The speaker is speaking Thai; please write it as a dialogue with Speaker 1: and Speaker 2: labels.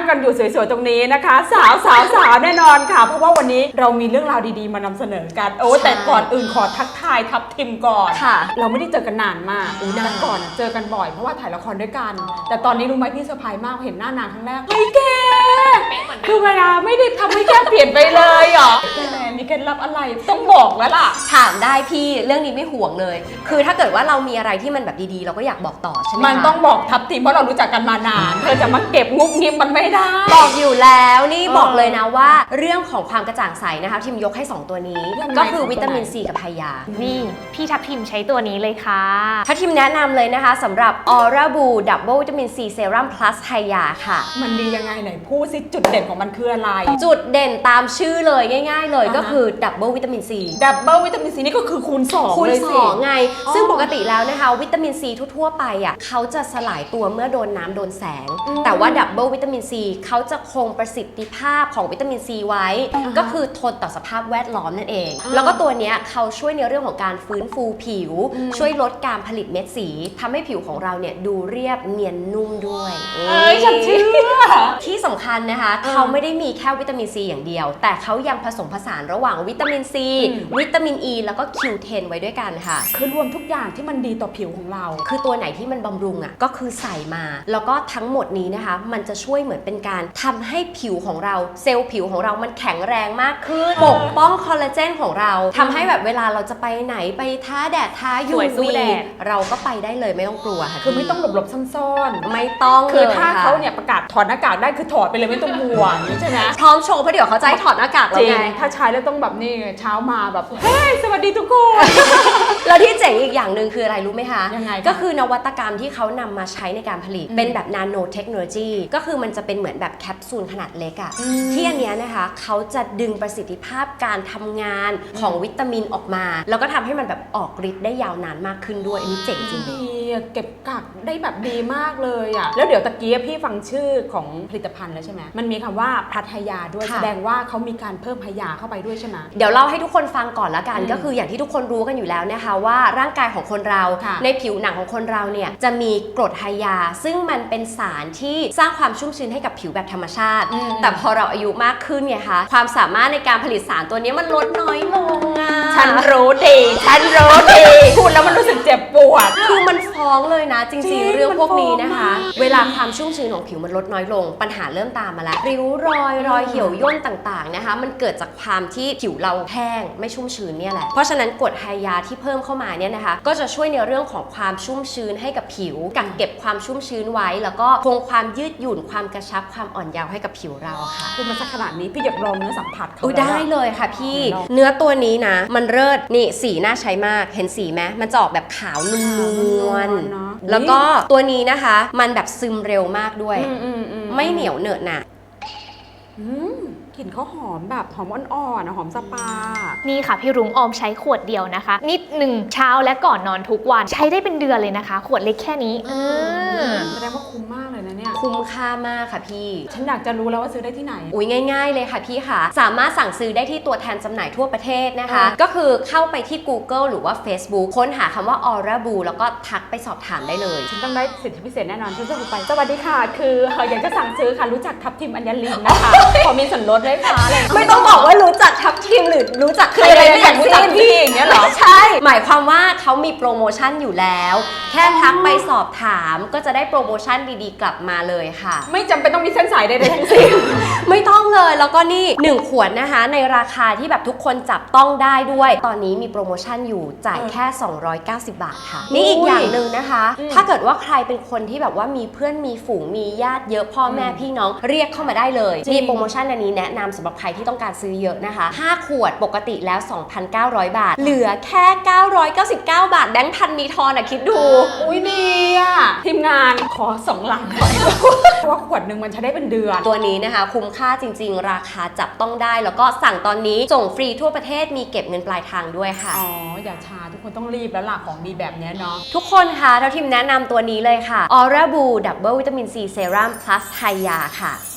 Speaker 1: กันอยู่สวยๆตรงนี้นะคะสาวแน่นอนค่ะเพราะว่าวันนี้เรามีเรื่องราวดีๆมานำเสนอกันแต่ก่อนอื่นขอทักทายทัพทิมก่อนเราไม่ได้เจอกันนานมากแต่ก่อนเจอกันบ่อยเพราะว่าถ่ายละครด้วยกันแต่ตอนนี้รู้ไหมพี่เซอร์ไพรส์มากเห็นหน้านางครั้งแรกเฮ้ยแกคือเวลาไม่ได้ทำให้แกเปลี่ยนไปเลยเหรอมีเคล็ดลับอะไรต้องบอกแล้วล่ะ
Speaker 2: ถามได้พี่เรื่องนี้ไม่ห่วงเลยคือถ้าเกิดว่าเรามีอะไรที่มันแบบดีๆเราก็อยากบอกต่อใช่ไหม
Speaker 1: มันต้องบอกทัพทิมเพราะเรารู้จักกันมานานเธอจะมาเก็บงุบงิบมันไม่ได้
Speaker 2: บอกอยู่แล้วนี่บอกเลยนะว่าเรื่องของความกระจ่างใสนะคะทิมยกให้2ตัวนี้ก็คือวิตามินซีกับไฮยา
Speaker 3: นี่พี่ทัพทิมใช้ตัวนี้เลยค่ะ
Speaker 2: ถ้าทิมแนะนำเลยนะคะสำหรับ Aura Boo Double วิตามินซีเซรั่ม plus ไฮยาค่ะ
Speaker 1: มันดียังไงไหนพูดสิจุดเด่นของมันคืออะไร
Speaker 2: จุดเด่นตามชื่อเลยง่ายๆเลยก็คือ Double วิตามินซี
Speaker 1: Double วิตามินซีนี่ก็คือคูณ2
Speaker 2: คูณ2ไงซึ่งปกติแล้วนะคะวิตามินซีทั่วๆไปอ่ะเขาจะสลายตัวเมื่อโดนน้ำโดนแสงแต่ว่า Double วิตามินซีเขาจะคงประสิทธิภาพของวิตามินซีไว้ก็คือทนต่อสภาพแวดล้อมนั่นเองแล้วก็ตัวเนี้ยเขาช่วยในเรื่องของการฟื้นฟูผิวช่วยลดการผลิตเม็ดสีทำให้ผิวของเราเนี่ยดูเรียบเนียนนุ่มด้วย
Speaker 1: ฉันเชื่อ
Speaker 2: ที่สำคัญนะคะเขาไม่ได้มีแค่วิตามินซีอย่างเดียวแต่เขายังผสมผสานระหว่างวิตามินซีวิตามินอ E แล้วก็ Q10 ไว้ด้วยกันค่ะ
Speaker 1: คือรวมทุกอย่างที่มันดีต่อผิวของเรา
Speaker 2: คือตัวไหนที่มันบำรุงอ่ะก็คือใส่มาแล้วก็ทั้งหมดนี้นะคะมันจะช่วยเหมือนเป็นการทำให้ผิวของเราเซลล์ผิวของเรามันแข็งแรงมากขึ้นปกป้องคอลลาเจนของเราทำให้แบบเวลาเราจะไปไหนไปท้าแดดท้า UV เราก็ไปได้เลยไม่ต้องกลัวค่ะ
Speaker 1: คือไม่ต้องหลบซ่อน
Speaker 2: ไม่ต้อง
Speaker 1: คือถ้าเขาเนี่ยประกาศถอดหน้ากากได้คือถอดไปเลยไม่ต้องห่วงใช่ไหม
Speaker 2: พร้อมโชว์เพราะเดี๋ยวเขาจะให้ถอดหน้ากากแล้วไง
Speaker 1: ถ้าใช้แล้วต้องแบบนี้เช้ามาแบบเฮ้ยสวัสดีทุกคน
Speaker 2: แล้วที่เจ๋งอีกอย่างหนึ่งคืออะไรรู้ไหมคะ
Speaker 1: ยังไง
Speaker 2: ก็คือนวัตกรรมที่เขานำมาใช้ในการผลิตเป็นแบบนาโนเทคโนโลยีก็คือมันจะเป็นเหมือนแบบแคปซูลขนาดเล็กอะที่อันนี้นะคะเขาจะดึงประสิทธิภาพการทำงานของวิตามินออกมาแล้วก็ทำให้มันแบบออกฤทธิ์ได้ยาวนานมากขึ้นด้วยอันนี้เจ๋งจริง
Speaker 1: ดีเก็บกักได้แบบดีมากเลยอะแล้วเดี๋ยวตะกี้พี่ฟังชื่อของผลิตภัณฑ์แล้วใช่ไหมมันมีคำว่าพลัทยาด้วยแสดงว่าเขามีการเพิ่มพยาเข้าไปด้วยใช่ไหม
Speaker 2: เดี๋ยวเล่าให้ทุกคนฟังก่อนละกันก็คืออย่างที่ทุกคนรู้กันอยู่แล้วนะคะว่าร่างกายของคนเราในผิวหนังของคนเราเนี่ยจะมีกรดไฮยาซึ่งมันเป็นสารที่สร้างความชุ่มชื้นให้กับผิวแบบธรรมชาติแต่พอเราอายุมากขึ้นไงคะความสามารถในการผลิตสารตัวนี้มันลดน้อยลงอ่ะ
Speaker 1: ฉันรู้ดีพูดแล้วมันรู้สึกเจ็บปวด
Speaker 2: คือมันฟ้องเลยนะจริงๆเรื่องพวกนี้นะคะเวลาความชุ่มชื้นของผิวมันลดน้อยลงปัญหาเริ่มตามมาแล้วริ้วรอยเหี่ยวย่นต่างๆนะคะมันเกิดจากความที่ผิวเราแห้งไม่ชุ่มชื้นเนี่ยแหละเพราะฉะนั้นกรดไฮยาที่เพิ่มเข้ามาเนี่ยนะคะก็จะช่วยในเรื่องของความชุ่มชื้นให้กับผิวกักเก็บความชุ่มชื้นไว้แล้วก็คงความยืดหยุ่นความกระชับความอ่อนเยาว์ให้กับผิวเราค่ะ
Speaker 1: คือมันสักขนาดนี้พี่อยากลองเนื้อสัมผัสเขา
Speaker 2: ได้เลยค่ะพี่เนื้อตัวนี้นะมันเลิศนี่สีน่าใช้มากเห็นสีไหมมันจะออกแบบขาวนวลๆแล้วก็ตัวนี้นะคะมันแบบซึมเร็วมากด้วยไม่เหนียวเหนอะหนะ
Speaker 1: กลิ่นเขาหอมแบบหอมอ่อนๆหอมสปา
Speaker 3: นี่ค่ะพี่รุ้งออมใช้ขวดเดียวนะคะนิดหนึ่งเช้าและก่อนนอนทุกวันใช้ได้เป็นเดือนเลยนะคะขวดเล็กแค่นี้
Speaker 1: แสดงว่าคุ้มมากเลยนะเนี่ย
Speaker 2: คุ้มค่ามากค่ะพี่
Speaker 1: ฉันอยากจะรู้แล้วว่าซื้อได้ที่ไหน
Speaker 2: อุ้ยง่ายๆเลยค่ะพี่ค่ะสามารถสั่งซื้อได้ที่ตัวแทนจำหน่ายทั่วประเทศนะคะก็คือเข้าไปที่ Google หรือว่า Facebook ค้นหาคำว่า Aura Boo แล้วก็ทักไปสอบถามได้เลย
Speaker 1: ฉันต้องได้สิทธิพิเศษแน่นอนฉันจะไปสวัสดีค่ะคืออยากจะสั่งซื้อค่ะรู้จักทัพทิมอัญญลินนะคะขอมีส่วนลดด้วยค่ะ
Speaker 2: ไม่ต้องบอกว่ารู้จักทัพทิมหรือรู้จักใครอะไรไม่
Speaker 1: รู้จักพี่อย่างเงี้ยหรอ
Speaker 2: ใช่หมายความว่าเขามีโปรโมชั่นอยู่แล้วแค่ทักไปสอบถามก็จะได้โปรโมชั่นดีๆกลับมาเลยค่ะ
Speaker 1: ไม่จำเป็นต้องมีเส้นสายใดๆทั้งสิ้น
Speaker 2: ไม่ต้องเลยแล้วก็นี่1ขวดนะคะในราคาที่แบบทุกคนจับต้องได้ด้วยตอนนี้มีโปรโมชั่นอยู่จ่ายแค่290 บาทค่ะนี่อีกอย่างหนึ่งนะคะถ้าเกิดว่าใครเป็นคนที่แบบว่ามีเพื่อนมีฝูงมีญาติเยอะพ่อแม่พี่น้องเรียกเข้ามาได้เลยมีโปรโมชั่นอันนี้แนะนำสำหรับใครที่ต้องการซื้อเยอะนะคะ5ขวดปกติแล้ว 2,900 บาทเหลือแค่999 บาทแบงค์พันมีทอนอ่ะคิดดู
Speaker 1: อุ้ยดีอ่ะทีมงานขอ2 ลังหน่อยเพราะว่าขวดหนึ่งมันใช้ได้เป็นเดือน
Speaker 2: ตัวนี้นะคะคุ้มค่าจริงๆราคาจับต้องได้แล้วก็สั่งตอนนี้ส่งฟรีทั่วประเทศมีเก็บเงินปลายทางด้วยค่ะ
Speaker 1: อ๋ออย่าช้าทุกคนต้องรีบแล้วล่ะของดีแบบนี้เนาะ
Speaker 2: ทุกคนค่ะเราทีมแนะนำตัวนี้เลยค่ะ Aura Boo Double วิตามินซีเซรั่ม plus ไฮยาค่ะ